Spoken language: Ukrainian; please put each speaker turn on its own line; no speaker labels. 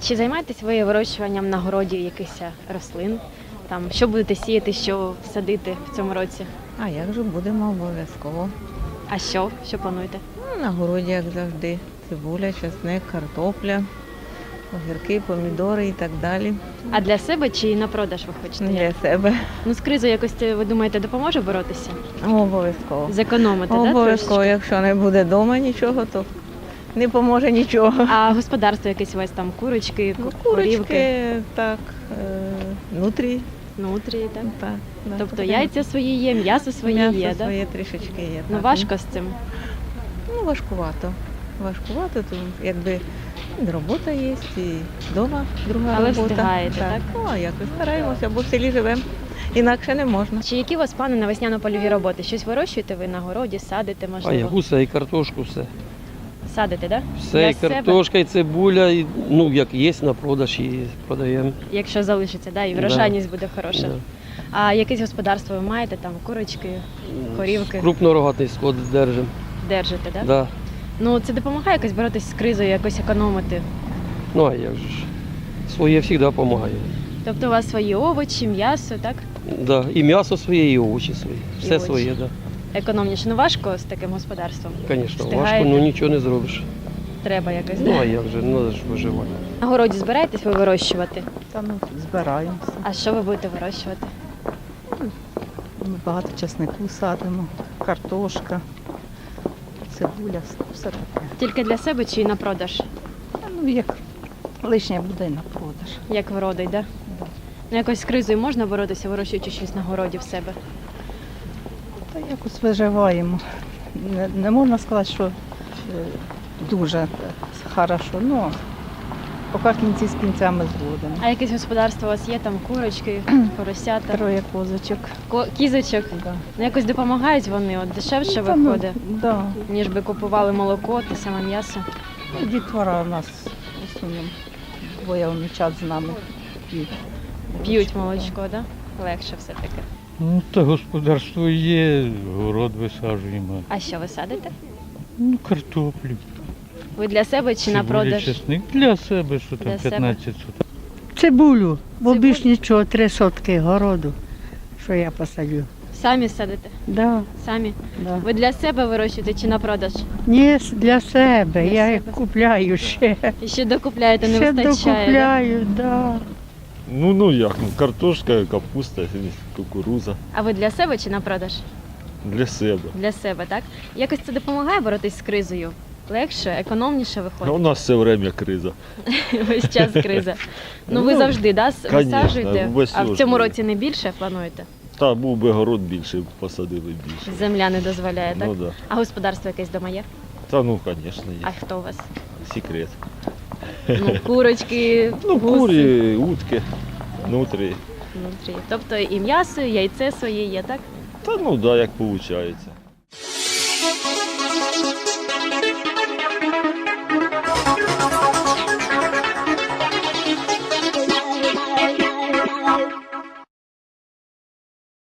Чи займаєтесь ви вирощуванням на городі якихось рослин? Там, що будете сіяти, що садити в цьому році?
А як же будемо обов'язково?
А що? Що плануєте?
На городі, як завжди, цибуля, часник, картопля, огірки, помідори і так далі.
А для себе чи на продаж ви хочете?
Для себе.
Ну, з кризою якось, ви думаєте, допоможе боротися?
Обов'язково.
Зекономити, так?
Обов'язково, якщо не буде вдома нічого, то не поможе нічого.
А господарство якесь у вас там, курочки, корівки,
Курочки, так, нутрі,
нутрії, так?
так. Да,
Тобто
потрібно.
яйця свої є, м'ясо своє
М'ясо
є, так?
своє трішечки є.
Ну
так.
важко з цим.
Ну, важкувато. Важкувато, то якби і робота є, і вдома друга
Але
робота.
встигаєте, так?
Ну, а як ви стараємося, бо в селі живемо, інакше не можна.
Чи які у вас плани на весняно-польові роботи? Щось вирощуєте ви на городі, садите,
А я
можливо?
гуса і картошку, все.
Садите, так?
Все, і картошка, і цибуля, і, ну, як є на продаж, і продаємо.
Якщо залишиться, да? І
Да.
врожайність буде хороша.
Да.
А якесь господарство ви маєте, там курочки, корівки?
Крупнорогатий скот держимо.
Держите, так?
Да.
Ну це допомагає якось боротися з кризою, якось економити?
Ну, а як же ж. Своє завжди допомагає.
Тобто у вас свої овочі, м'ясо, так?
Да. І м'ясо своє, і овочі свої. Все
овочі.
своє, так. Да.
Економніше. Ну важко з таким господарством?
Звісно, важко,
Встигаєте?
ну нічого не зробиш.
Треба якось,
Ну,
да?
а як же, ну, ж виживати.
На городі збираєтесь ви вирощувати?
Та ну збираємося.
А що ви будете вирощувати?
Ми багато часнику садимо, картошка, цибуля, все таке.
Тільки для себе чи на продаж?
Ну як лишнє буде і на продаж.
Як вродить, да? Ну якось з кризою можна боротися, вирощуючи щось на городі в себе?
Та якось виживаємо. Не можна сказати, що дуже хорошо, ну поки кінці з кінцями зводимо.
А якесь господарство у вас є, там курочки, поросята,
Троє козочок.
кізочок?
Да.
Ну якось допомагають вони, от дешевше
Та, ну,
виходить,
да.
ніж би купували молоко, те саме м'ясо.
Ну, дітвора у нас в основному двоє онучат з нами п'ють.
П'ють молочко, да? Легше все-таки.
Ну, та господарство є, город висаджуємо.
А що ви садите?
Ну, картоплю,
Ви для себе чи на
цибуля,
продаж?
чесник. Для себе, що там
Для себе.
15 соток.
Цибулю, бо
Цибулю?
більш нічого, 3 сотки городу, що я посадю.
Самі садите?
Да,
Самі?
да.
Ви для себе вирощуєте чи на продаж?
Ні, для себе,
Для
я
себе.
їх купляю ще.
І ще докупляєте, не
Ще
вистачає? да?
докупляю, да.
Ну як, ну картошка, капуста, кукуруза
А ви для себе чи на продаж?
для себе.
Для себе, так? Якось це допомагає боротись з кризою? Легше, економніше
А у
виходить?
нас все время криза.
Весь час криза. Ну ви
Ну,
завжди, да,
конечно,
висаджуєте?
весь
А в
ось
цьому
ми.
році не більше плануєте?
Та був би город більше, посадили більше.
Земля не дозволяє, так?
Ну да.
А господарство якесь вдома є?
Та ну, звісно,
А
є.
хто у вас?
Секрет.
Ну, курочки,
Ну,
гуси,
курі, утки, нутрі.
внутрі. Тобто і м'ясо, і яйце своє є, так?
Та ну да, як виходить.